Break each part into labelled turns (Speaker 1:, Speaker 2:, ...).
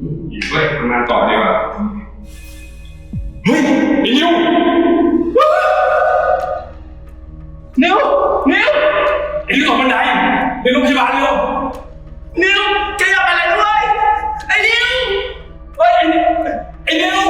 Speaker 1: เฮ้ยทำงานต่อดีกว่าเฮ้ยไอ้นิวนิวไอ้นิวตกบันไดไปโรงพยาบาลเร็วนิวแกอย่าไปเลยด้วยไอ้นิวเฮ้ยไอ้นิว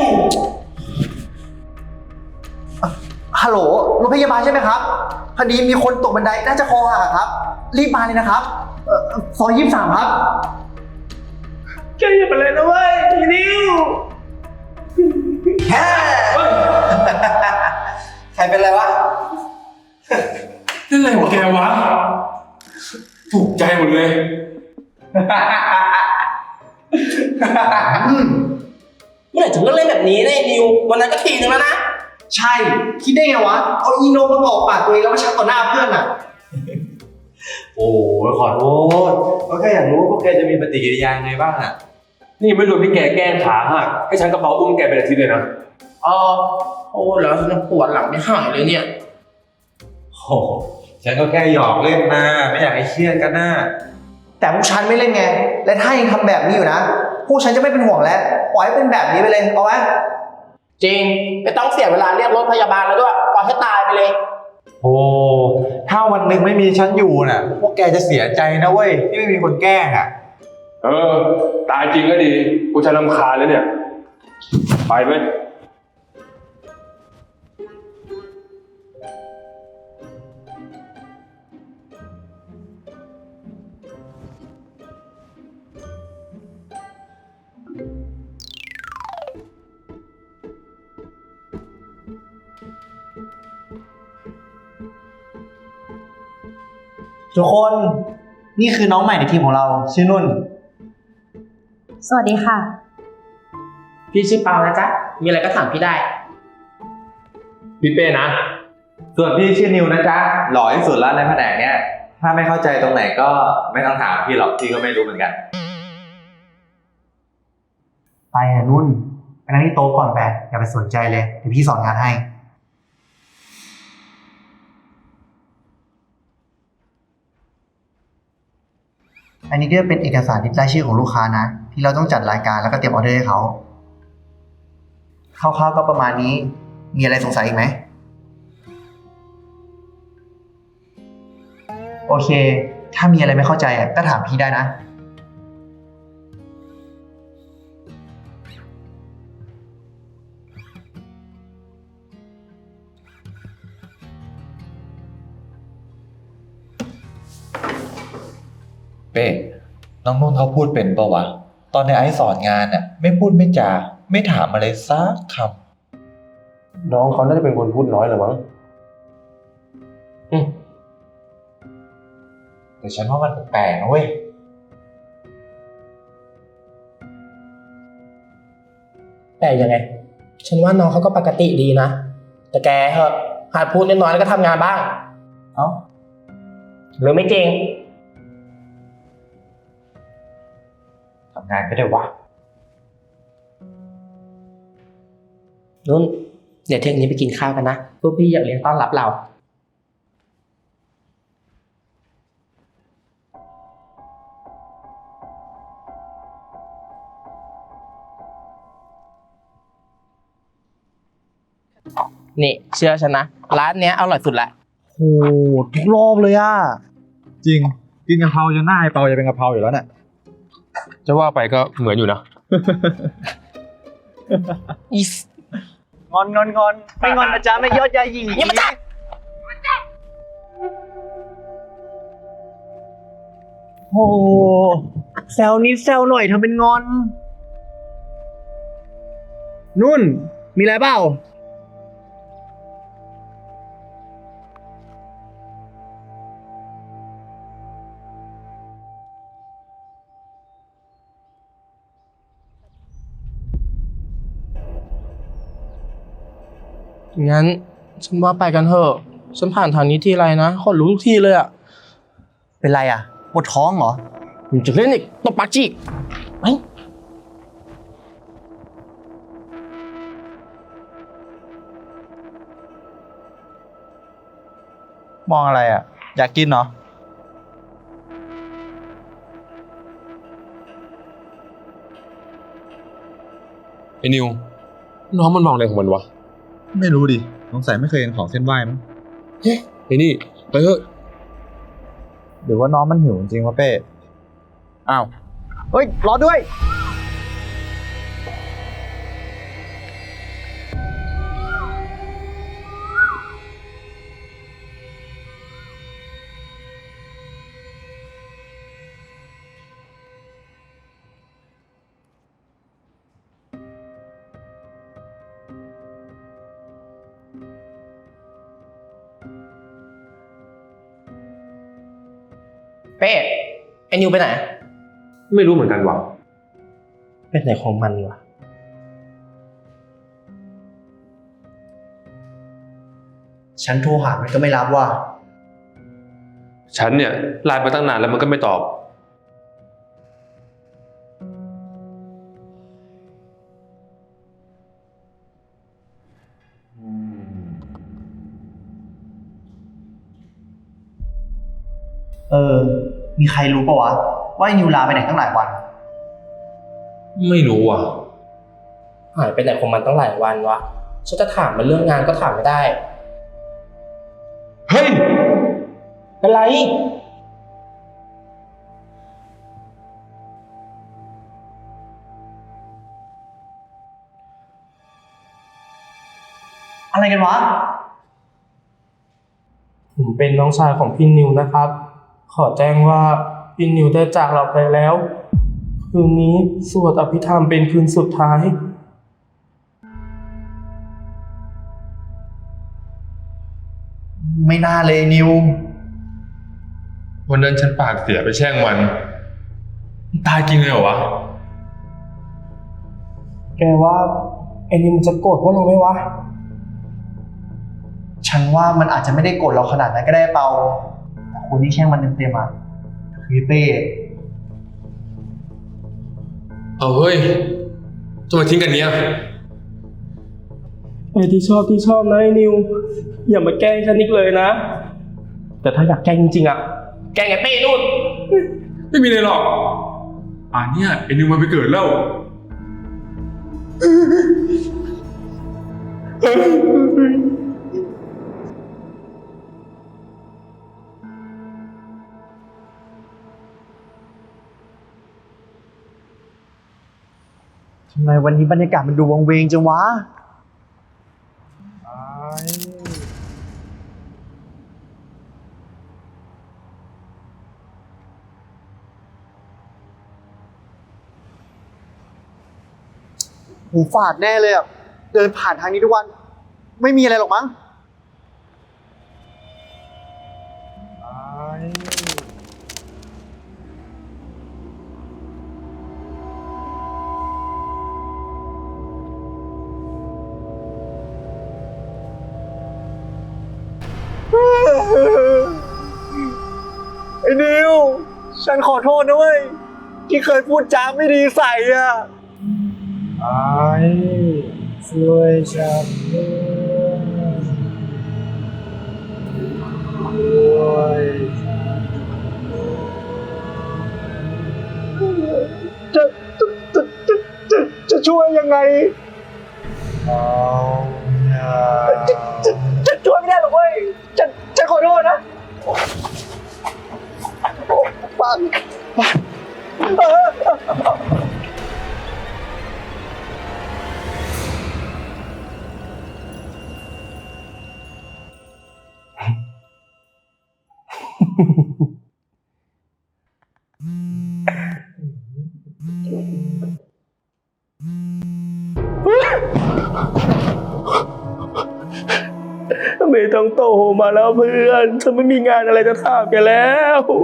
Speaker 2: ฮัลโหลโรงพยาบาลใช่ไหมครับพอดีมีคนตกบันไดน่าจะคอหักครับรีบมาเลยนะครับซอย23ครับ
Speaker 1: แกอย่าไปเลยนะเว้ยไอ้นิว
Speaker 2: แฮ่ใครเป็นไรวะ
Speaker 1: นั่นอะไรของแกวะถูกใจหมดเลย
Speaker 3: เมื่อไหร่ถึงเลิกเล่นแบบนี้เนี่ยนิววันนั้นก็ทีนึงแล้วนะ
Speaker 2: ใช่คิดได้ไงวะเอาอีโนมากรอกปากตัวเองแล้วมาชักต่อหน้าเพื่อนอ่ะ
Speaker 4: โอ้ขอโทษก็แค่อยากรู้ว่าพวกแกจะมีปฏิกิริยาไงบ้างอ่ะ
Speaker 1: นี่ไม่รวมที่แกแกล้งขาหักให้ฉันกระเป๋าอุ้มแกเป็นอาทิตย์เลยนะ
Speaker 3: โอ้แล้วฉันปวดหลังไม่หายเลยเนี่ย
Speaker 4: โอ้ฉันก็แค่หยอกเล่นนะไม่อยากให้เครียดกันนะ
Speaker 2: แต่พวกฉันไม่เล่นไงและถ้ายังทำแบบนี้อยู่นะพวกฉันจะไม่เป็นห่วงแล้วปล่อยให้เป็นแบบนี้ไปเลยเอาไหม
Speaker 3: จริงไม่ต้องเสียเวลาเรียกรถพยาบาลแล้วด้วยปล่อยให้ตายไปเลย
Speaker 4: โอ้ถ้าวันหนึ่งไม่มีฉันอยู่น่ะพวกแกจะเสียใจนะเว้ยที่ไม่มีคนแกล้งอ่ะ
Speaker 1: ตายจริงก็ดีกูจะรำคาญแล้วเนี่ยไปไหม
Speaker 2: ทุกคนนี่คือน้องใหม่ในทีมของเราชื่อนุ่น
Speaker 5: สวัสดีค่ะ
Speaker 3: พี่ชื่อเปานะจ๊ะมีอะไรก็ถามพี่ได้
Speaker 1: พี่เป้นะ
Speaker 4: ส่วนพี่ชื่อนิวนะจ๊ะหล่อที่สุดแล้วในแผนกเนี้ยถ้าไม่เข้าใจตรงไหนก็ไม่ต้องถามพี่หรอกพี่ก็ไม่รู้เหมือนกัน
Speaker 2: ไปนุ่นไปนั่งที่โต๊ะก่อนไปอย่าไปสนใจเลยเดี๋ยวพี่สอนงานให้อันนี้ก็เป็นเอกสารรายชื่อของลูกค้านะที่เราต้องจัดรายการแล้วก็เตรียมออเดอร์ให้เขาคร่าวๆก็ประมาณนี้มีอะไรสงสัยอีกไหมโอเคถ้ามีอะไรไม่เข้าใจก็ถามพี่ได้นะ
Speaker 4: เป้น้องนุ่นเขาพูดเป็นปะวะตอนในไอซ์สอนงานน่ะไม่พูดไม่จาไม่ถามอะไรสักค
Speaker 1: น้องเขาน่าจะเป็นคนพูดน้อยหรือมั้ง
Speaker 4: แต่ฉันว่ามันแปลกๆนะเว้ย
Speaker 3: แต่ยังไงฉันว่าน้องเขาก็ปกติดีนะแต่แกเหอะหัดพูดน้อยๆแล้วก็ทำงานบ้าง
Speaker 4: เอ้า
Speaker 3: หรือไม่จริง
Speaker 4: ทำงานก็ได้วะ
Speaker 3: นุ่นเดี๋ยวเที่ยงนี้ไปกินข้าวกันนะพวกพี่อยากเลี้ยงต้อนรับเรานี่เชื่อฉันนะร้านเนี้ยอร่อยสุดละ
Speaker 2: โอ้ทุกรอบเลยอ่ะ
Speaker 4: จริงกินกะเพราจนหน้าไอ้เปาจะเป็นกะเพราอยู่แล้วเนี่ย
Speaker 1: จะว่าไปก็เหมือนอยู่นะ
Speaker 3: อีส
Speaker 2: งอนไม่งอนนะจ๊ะไม่ยอดยาหยี
Speaker 3: อย่ามาจับ
Speaker 2: โอ้แซวนิดแซวหน่อยทำเป็นงอนนุ่นมีอะไรเปล่า
Speaker 3: งั้นฉันว่าไปกันเถอะฉันผ่านทางนี้ทีไรนะขนลุกทุกทีเลยอ่ะ
Speaker 2: เป็นไรอ่ะปวดท้องเหรอ
Speaker 3: มึงจะเล่นอีกตบปากจีไป
Speaker 4: มองอะไรอ่ะอยากกินเหรอ
Speaker 1: ไอ้นิว น้องมันมองอะไรของมันวะ
Speaker 4: ไม่รู้ดิสงสัยไม่เคยเห็นของเส้นไหว้มั้ง
Speaker 1: ไอ้นี่ไปเถอะ
Speaker 4: หรือว่าน้องมันหิวจริงวะเป้
Speaker 2: อ้าว เฮ้ย รอด้วย
Speaker 3: เป้ไอ้นิวไปไหน
Speaker 1: ไม่รู้เหมือนกันว่ะ
Speaker 3: เป็นไหนของมันวะ
Speaker 2: ฉันโทรหามันก็ไม่รับว่ะ
Speaker 1: ฉันเนี่ยไลน์มาตั้งนานแล้วมันก็ไม่ตอบ
Speaker 2: มีใครรู้ปะวะ ว่าไอ้นิวลาไปไหนตั้งหลายวัน
Speaker 1: ไม่รู้ว่ะ
Speaker 3: หายไปไหนของมันตั้งหลายวันวะ ฉันจะถามมันเรื่องงานก็ถามไม่ได้
Speaker 1: เฮ้ย
Speaker 3: เป็นไร
Speaker 2: อะไรกันวะ
Speaker 3: ผมเป็นน้องชายของพี่นิวนะครับ ขอแจ้งว่าพี่นิวได้จากเราไปแล้ว คืนนี้สวดอภิธรรมเป็นคืนสุดท้าย
Speaker 2: ไม่น่าเลยนิว
Speaker 1: วันนั้นฉันปากเสียไปแช่งมันตายจริงเลยเหรอวะ
Speaker 3: แกว่าไอ้นิวมันจะโกรธพวกเราไหมวะ
Speaker 2: ฉันว่ามันอาจจะไม่ได้โกรธเราขนาดนั้นก็ได้เปาแต่คนที่แช่งมันเต็มๆอ่ะคือเป้
Speaker 1: เอาเฮ้ยจะมาทิ้งกันเนี้ย
Speaker 3: ไอ้ที่ชอบนะไอ้นิว อย่ามาแกล้งฉันอีกเลยนะ แต่ถ้าอยากแกล้งจริงๆอ่ะ แกล้งไอ้เป้นู่น
Speaker 1: ไม่มีเลยหรอกป่านเนี่ยไอ้นิวมันไปเกิดแล้ว
Speaker 2: ทำไมวันนี้บรรยากาศมันดูวังเวงจังวะ หูฝาดแน่เลยอ่ะ เดินผ่านทางนี้ทุกวัน ไม่มีอะไรหรอกมั้ง ไอ้นิว ฉันขอโทษนะเว้ย ที่เคยพูดจาไม่ดีใส่อ่ะช่วยฉันด้วยจะช่วยยังไงจะช่วยไม่ได้หรอกเว้ยจะขอโทษนะปัง
Speaker 3: ไม่ต้องโตมาแล้วเพื่อน ฉันไม่มีงานอะไรจะถามแกแล้ว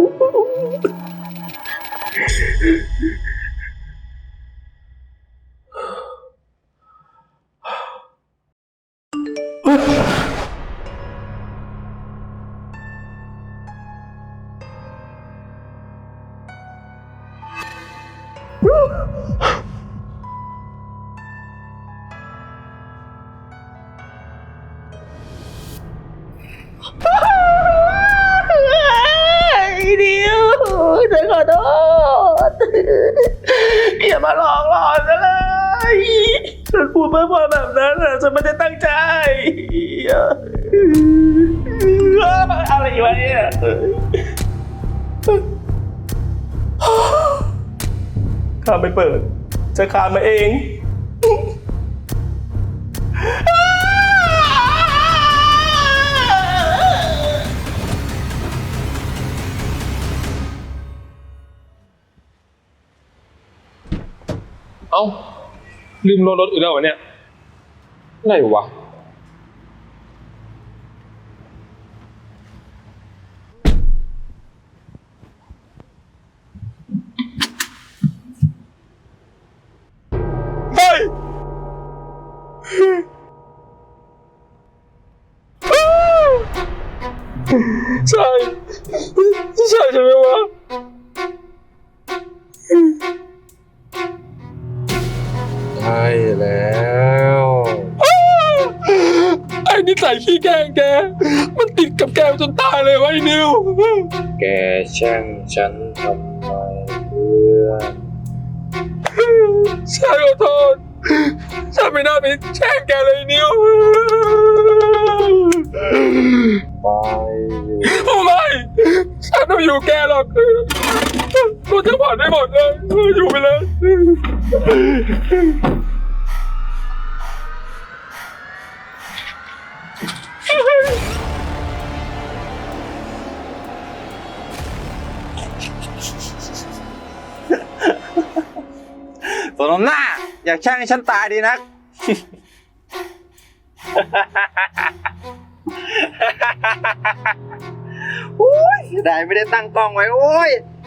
Speaker 3: เดียวฉันขอโทษอย่ามาหลอกหลอนฉันเลยฉันพูดเพ้อเพ้อแบบนั้นน่ะฉันไม่ได้ตั้งใจอะไรวะเนี่ยข้าไม่เปิด จะคานมาเอง
Speaker 6: เอ้า ลืมรถอีกแล้ววะเนี่ยอะไรวะเฮ้ยใช่ใช่ไหมวะใช่แล้วไอ้นิสัยขี้แกล้งแก มันติดกับแกจนตายเลยวะไอ้นิว แกแช่งฉันทำไมเพื่อนฉันขอโทษฉันไม่น่าไปแช่งแกเลยนิวไม่ฉันไม่อยู่แกหรอกกูจะผ่อนได้หมดเลยอยู่ไปเลย
Speaker 4: สนมหน้า อยากแช่งให้ฉันตายดีนัก โอ้ยได้ไม่ได้ตั้งกล้องไว้โอ้ย